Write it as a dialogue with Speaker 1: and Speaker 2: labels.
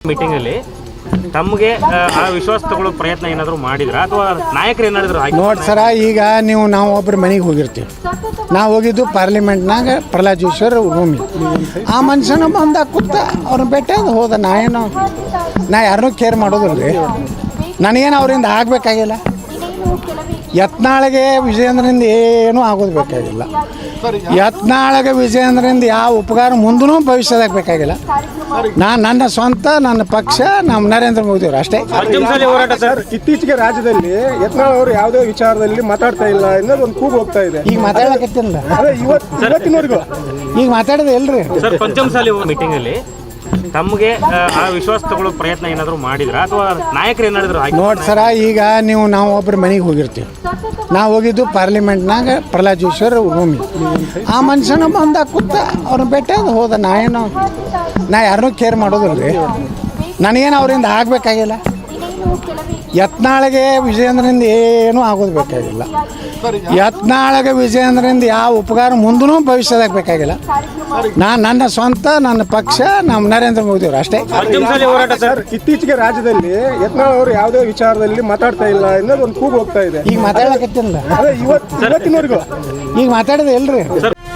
Speaker 1: Meeting ಅಲ್ಲಿ ತಮಗೆ ಆ ವಿಶ್ವಾಸ ತಗೊಳ್ಳೋ ಪ್ರಯತ್ನ ಏನಾದರೂ ಮಾಡಿದ್ರ ಅಥವಾ ನಾಯಕರು ಏನಾದ್ರು
Speaker 2: ನೋಡಿ ಸರ, ಈಗ ನಾವು ಒಬ್ಬರ ಮನೆಗೆ ಹೋಗಿರ್ತೀವಿ. ನಾವು ಹೋಗಿದ್ದು ಪಾರ್ಲಿಮೆಂಟ್ನಾಗ ಪ್ರಹ್ಲಾದ್ ಜೋಶಿ ರೂಮಿಗೆ. ಆ ಮನುಷ್ಯನ ಬಂದ ಕೂತ ಅವ್ರನ್ನ ಭೇಟಿ ಹೋದ. ನಾ ಯಾರನ್ನೂ ಕೇರ್ ಮಾಡೋದಿಲ್ಲ ರೀ. ನನಗೇನು ಅವರಿಂದ ಆಗಬೇಕಾಗಿಲ್ಲ. ಯತ್ನಾಳಿಗೆ ವಿಜಯೇಂದ್ರಿಂದ ಏನೂ ಆಗೋದು ಬೇಕಾಗಿಲ್ಲ. ಯತ್ನಾಳಿಗೆ ವಿಜಯೇಂದ್ರಿಂದ ಯಾವ ಉಪಕಾರ ಮುಂದೂ ಭವಿಷ್ಯದಾಗ ಬೇಕಾಗಿಲ್ಲ. ನನ್ನ ಸ್ವಂತ, ನನ್ನ ಪಕ್ಷ, ನಮ್ಮ ನರೇಂದ್ರ ಮೋದಿ ಅವರು ಅಷ್ಟೇ.
Speaker 3: ಸರ್, ಇತ್ತೀಚೆಗೆ ರಾಜ್ಯದಲ್ಲಿ ಯತ್ನಾಳ್ ಅವರು ಯಾವುದೇ ವಿಚಾರದಲ್ಲಿ ಮಾತಾಡ್ತಾ ಇಲ್ಲ ಅನ್ನೋದು ಒಂದು ಕೂಗು ಹೋಗ್ತಾ ಇದೆ.
Speaker 2: ಈಗ ಮಾತಾಡಕತ್ತಿಲ್ಲ,
Speaker 3: ಇವತ್ತಿನವರೆಗೂ
Speaker 2: ಈಗ ಮಾತಾಡೋದು ಇಲ್ರಿ.
Speaker 1: ಸರ್, ಪಂಚಮಸಾಲಿ ಮೀಟಿಂಗ್ ಅಲ್ಲಿ ತಮಗೆ ಆ ವಿಶ್ವಾಸ ತಗೊಳ್ಳೋ ಪ್ರಯತ್ನ ಏನಾದರೂ ಮಾಡಿದ್ರ ಅಥವಾ ನಾಯಕರು ಏನಾದ್ರು
Speaker 2: ನೋಡಿ ಸರ, ಈಗ ನಾವು ಒಬ್ಬರ ಮನೆಗೆ ಹೋಗಿರ್ತೀವಿ. ನಾವು ಹೋಗಿದ್ದು ಪಾರ್ಲಿಮೆಂಟ್ನಾಗ ಪ್ರಹ್ಲಾದ್ ಜೋಶಿ ರೂಮಿಗೆ. ಆ ಮನುಷ್ಯನ ಬಂದ ಕೂತ ಅವ್ರನ್ನ ಭೇಟಿ ಹೋದ. ನಾ ಯಾರನ್ನೂ ಕೇರ್ ಮಾಡೋದಿಲ್ಲ ರೀ. ನನಗೇನು ಅವರಿಂದ ಆಗಬೇಕಾಗಿಲ್ಲ. ಯತ್ನಾಳಿಗೆ ವಿಜಯೇಂದ್ರಿಂದ ಏನೂ ಆಗೋದು ಬೇಕಾಗಿಲ್ಲ. ಯತ್ನಾಳಿಗೆ ವಿಜಯೇಂದ್ರಿಂದ ಯಾವ ಉಪಕಾರ ಮುಂದೂ ಭವಿಷ್ಯದಾಗ ಬೇಕಾಗಿಲ್ಲ. ನನ್ನ ಸ್ವಂತ, ನನ್ನ ಪಕ್ಷ, ನಮ್ಮ ನರೇಂದ್ರ ಮೋದಿ ಅವರು ಅಷ್ಟೇ.
Speaker 3: ಸರ್, ಇತ್ತೀಚೆಗೆ ರಾಜ್ಯದಲ್ಲಿ ಯತ್ನಾಳ್ ಅವರು ಯಾವುದೇ ವಿಚಾರದಲ್ಲಿ ಮಾತಾಡ್ತಾ ಇಲ್ಲ ಅನ್ನೋದು ಒಂದು ಕೂಗು ಹೋಗ್ತಾ ಇದೆ.
Speaker 2: ಈಗ ಮಾತಾಡಕತ್ತಿಲ್ಲ,
Speaker 3: ಇವತ್ತಿನವರೆಗೂ
Speaker 2: ಈಗ ಮಾತಾಡೋದು ಇಲ್ರಿ.